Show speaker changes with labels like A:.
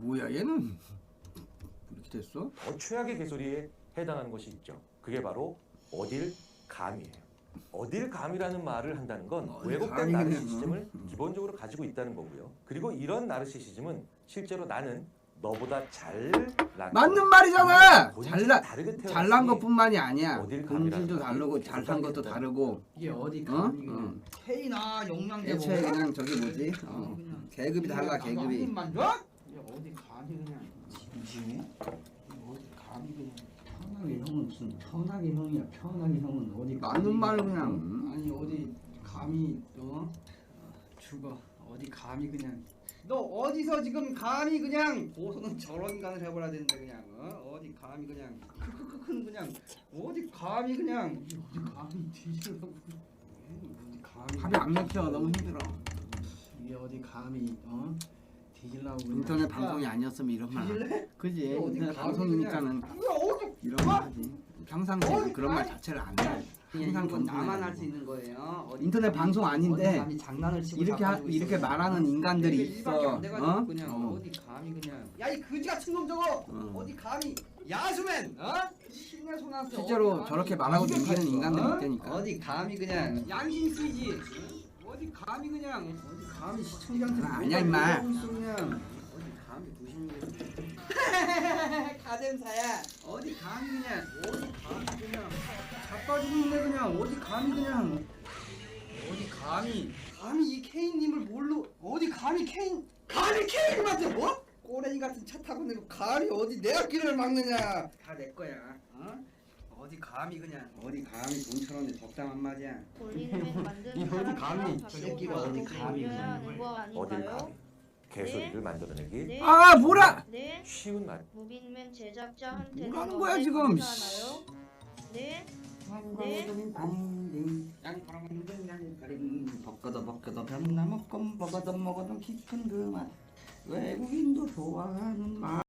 A: 뭐야 얘는 이렇게 됐어?
B: 더 최악의 개소리에 해당하는 것이 있죠. 그게 바로 어딜 감이에요. 어딜 감이라는 말을 한다는 건
A: 어딜
B: 왜곡된
A: 감이네.
B: 나르시시즘을 기본적으로 가지고 있다는 거고요. 그리고 이런 나르시시즘은 실제로 나는 너보다 잘나
A: 맞는 말이잖아.
B: 다르게
A: 잘난 것뿐만이 아니야.
B: 어딜
A: 본질도
B: 감이라는
A: 다르고
B: 말이
A: 잘 산 것도
B: 계속
A: 다르고.
C: 이게 어디
A: 어?
C: 감이 그냥 K나 영양제
A: 애초에 그냥 저기 뭐지? 계급이 달라 계급이.
C: 한입만 줘? 이게 어디 감이 그냥 진심이? 어디 감이 그냥 편하게 형은 무슨 편하게 형이야. 편하게 형은 어디
A: 맞는 말 그냥.
C: 아니 어디 감히 죽어 어디 감히 그냥 너 어디서 지금 감히 그냥 고소는 저런 인간을 해버려야 되는데 그냥 어디 감히 그냥 크크크큰 그냥 어디 감히 그냥 어디 감히 뒤지려고 어디 감히
A: 합이 안 맥혀. 너무 힘들어.
C: 이게 어디 감히 뒤질라고 그냥.
A: 인터넷 방송이 아니었으면 이런 말.
C: 뒤질래?
A: 그지?
C: 어디
A: 인터넷
C: 감히
A: 방송이니까는
C: 그냥. 어디
A: 이런 말 하지. 평상시에 그런 말 자체를 안 해. 항상
C: 이건 나만
A: 건드리는
C: 할 수
A: 거고.
C: 있는 거예요. 어디
A: 인터넷
C: 감히,
A: 방송 아닌데
C: 어디 감히 장난을 치고
A: 이렇게
C: 자빠지고
A: 이렇게
C: 있어요.
A: 말하는 인간들이
C: 이게 일밖에
A: 있어.
C: 안 돼가지고 그냥
A: 어?
C: 어디 감히 그냥 야 이 그지 같은 놈 저거 어디 감히 야수맨 신내 소나스
A: 실제로 저렇게 말하고 넘기는 인간들이 있다니까.
C: 어디 감히 그냥 양심 쓰지 어디 감히 그냥 어디 감히 시청자한테
A: 아니야, 임마.
C: 그냥 어디 감히 두시는 가zem사야 어디 감히 그냥 어디 감히 그냥 자빠지고 있네 그냥 어디 감히 그냥 어디 감히 이 케인님을 뭘로 어디 감히 케인님한테 뭐? 꼬레니 같은 차 타고 내고 감히 어디 내 앞길을 막느냐 다 내 거야 어디 감히 그냥 어디 감히 돈처럼 적당한 말이야
D: 볼링맨 만드는
C: 이 어디 감히,
D: 사람이랑
C: 저 새끼가
D: 바꿔
C: 어디
D: 바꿔
C: 감히
D: 올려야 하는 거
B: 어딜
D: 아닌가요?
B: 감이 개소리를 만들어내기
D: 네.
A: 아 뭐라?
D: 네.
B: 쉬운 말.
D: 무빙맨 제작자한테는
A: 뭐라는 거야,
D: 어때
A: 지금?
D: 감사하나요? 네.
C: 벗겨도 병나 먹건 먹어도 깊은 그 맛 외국인도 좋아하는 맛